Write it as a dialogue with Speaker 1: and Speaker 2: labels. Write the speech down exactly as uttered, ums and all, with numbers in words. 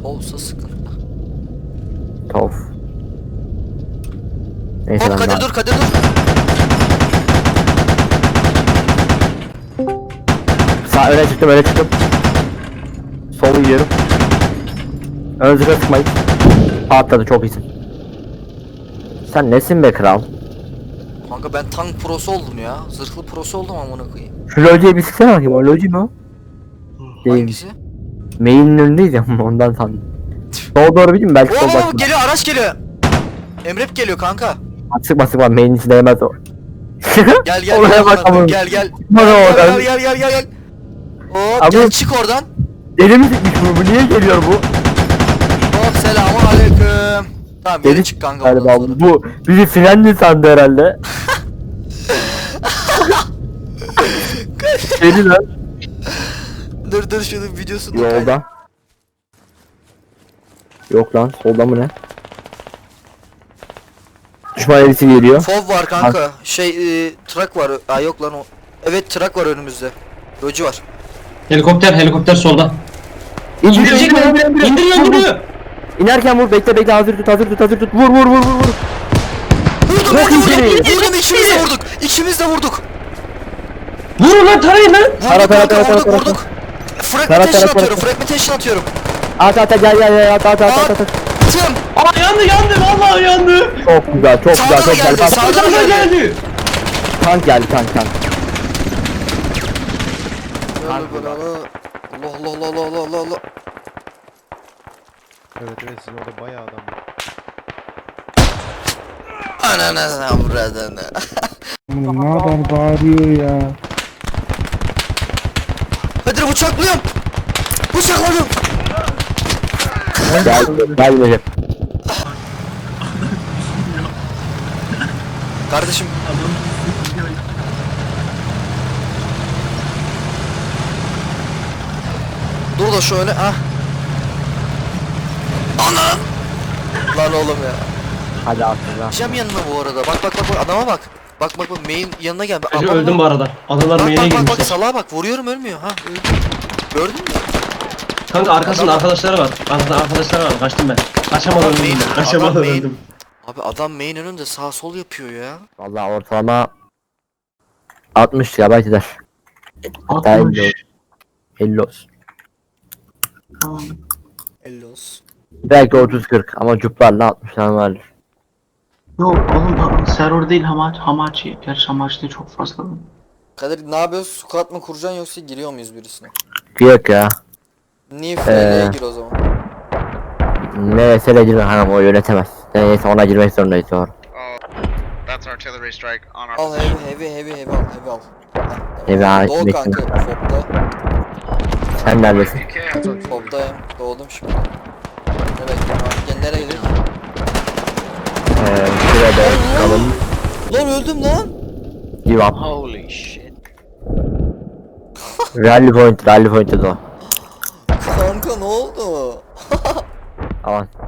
Speaker 1: Tovsa sıkıntı.
Speaker 2: Tov. Neyse
Speaker 1: Hop
Speaker 2: ben
Speaker 1: Kadir
Speaker 2: daha...
Speaker 1: dur Kadir dur.
Speaker 2: Sağ öne çıktım öne çıktım. Sol gidiyorum. Ön zırha sıkmayın. Atladı çok iyisin. Sen nesin be kral?
Speaker 1: Kanka ben tank prosu oldum ya. Zırhlı prosu oldum amına koyayım.
Speaker 2: Şu lojiye bir sıksana bakayım, o loji mi o? Değil.
Speaker 1: Hangisi?
Speaker 2: Main'in önündeyiz ya ondan sandım. Sola doğru bileyim belki sol
Speaker 1: Oo
Speaker 2: bakma.
Speaker 1: geliyor araç geliyor. Emrep geliyor kanka.
Speaker 2: Sıkma sıkma main'in içine değmez o.
Speaker 1: Gel gel
Speaker 2: Oraya
Speaker 1: gel,
Speaker 2: bak
Speaker 1: amına koyayım,
Speaker 2: ama.
Speaker 1: gel gel.
Speaker 2: Bana
Speaker 1: Gel
Speaker 2: oradan.
Speaker 1: gel gel gel gel. Hop
Speaker 2: Abi-
Speaker 1: gel çık oradan.
Speaker 2: Deli mi sıkmış bu? Bu niye geliyor bu?
Speaker 1: Hop selamun aleyküm. Tamam geri
Speaker 2: Deli
Speaker 1: çık kanka oradan
Speaker 2: galiba
Speaker 1: sonra.
Speaker 2: bu. Bizi frenli sandı herhalde. Deli lan.
Speaker 1: Dur dur şunun videosunu kaydet.
Speaker 2: Yolda. Yok lan solda mı ne? Düşman elisi geliyor.
Speaker 1: Fov var kanka. Şey e, truck var. Aa yok lan o. Evet truck var önümüzde. Loji var.
Speaker 3: Helikopter, helikopter solda.
Speaker 2: İndiriyor,
Speaker 3: İndirecek mi?
Speaker 2: indiriyor, indiriyor.
Speaker 3: İndiriyor,
Speaker 2: Vur, vur.
Speaker 3: indiriyor.
Speaker 2: İnerken vur, bekle bekle, hazır tut, hazır tut, hazır tut. Vur vur vur vur vur.
Speaker 1: Vurdum
Speaker 2: Çok
Speaker 1: vurdum
Speaker 2: iyi.
Speaker 1: vurdum. Vurdum ikimiz de vurduk. İkimiz de vurduk.
Speaker 3: Vurun lan, tarayın lan.
Speaker 1: Vurduk
Speaker 2: Tara, tara,
Speaker 1: kanka
Speaker 2: tara,
Speaker 1: vurduk
Speaker 2: tara,
Speaker 1: vurduk.
Speaker 2: Tara,
Speaker 1: Fragmentation
Speaker 2: tara,
Speaker 1: atıyorum.
Speaker 2: tara.
Speaker 1: Fragmentation atıyorum.
Speaker 2: At at at, gel gel gel, at at at at at.
Speaker 1: Attım.
Speaker 3: Aa yandı, yandı, vallahi yandı.
Speaker 2: Çok güzel, çok
Speaker 1: Sağdan
Speaker 2: güzel, çok
Speaker 1: geldi,
Speaker 2: güzel.
Speaker 1: sağdan
Speaker 2: Tank,
Speaker 3: Sağdan
Speaker 1: geldi.
Speaker 3: geldi.
Speaker 2: tank geldi, tank tank.
Speaker 1: Allah Allah Allah Allah Allah Allah Allah.
Speaker 4: Evet evet sizin orada bayağı adam var.
Speaker 1: Ananı avradını.
Speaker 5: Ne kadar bağırıyor ya.
Speaker 1: Hadi bıçaklıyorum. Bıçakladım.
Speaker 2: Gel, gel Recep.
Speaker 1: Kardeşim. Dur da şöyle ha. Anam. Lan oğlum ya.
Speaker 2: Hadi atla.
Speaker 1: Cem yanına bu arada. Bak bak bak bak adama bak. Bak bak bak main yanına gel.
Speaker 3: Hacı
Speaker 1: Adam-
Speaker 3: öldüm bu arada. Adalar
Speaker 1: Bak
Speaker 3: main'e
Speaker 1: bak bak bak
Speaker 3: girmişler.
Speaker 1: salağa bak vuruyorum ölmüyor ha. Öldü. Gördün mü?
Speaker 3: Kanka arkasında
Speaker 1: Adam-
Speaker 3: arkadaşları var. Arkasında arkadaşları var. Kaçtım ben. Kaçamadım
Speaker 1: Adam
Speaker 3: öldüm
Speaker 1: main-
Speaker 3: ben. Kaçamadım
Speaker 1: adam main-
Speaker 3: öldüm.
Speaker 1: Abi adam main önünde sağ sol yapıyor ya.
Speaker 2: Vallahi ortalama altmış ya belki de. Hatta elli olsun. elli olsun.
Speaker 1: elli olsun.
Speaker 2: Belki otuz kırk ama cuplarla altmış tane vardır.
Speaker 6: Yok oğlum server değil Hamachi. Hamachi. Gerçi Hamachi'de çok fazla.
Speaker 1: Kadir ne yapıyoruz? Squat mı kuracaksın yoksa giriyor muyuz birisine?
Speaker 2: Yok ya.
Speaker 1: Niye F L'ye gir o zaman?
Speaker 2: Neyse girme hanım, o yönetemez. Neyse ona girmek zorundayız doğru.
Speaker 7: That's artillery strike on our
Speaker 1: Al
Speaker 7: position.
Speaker 1: heavy heavy heavy heavy al heavy al.
Speaker 2: Heavy al,
Speaker 1: Doğu
Speaker 2: bekle.
Speaker 1: kanka Fob'da.
Speaker 2: Sen neredesin?
Speaker 1: Fob'dayım. Doğdum şimdi. Ne bekliyorum abi? Gel nereye gidelim?
Speaker 2: Eee şurada çıkalım.
Speaker 1: Lan öldüm lan.
Speaker 2: Give up.
Speaker 7: Holy shit.
Speaker 2: Rally point, rally point o.
Speaker 1: Kanka ne oldu?
Speaker 2: Aman.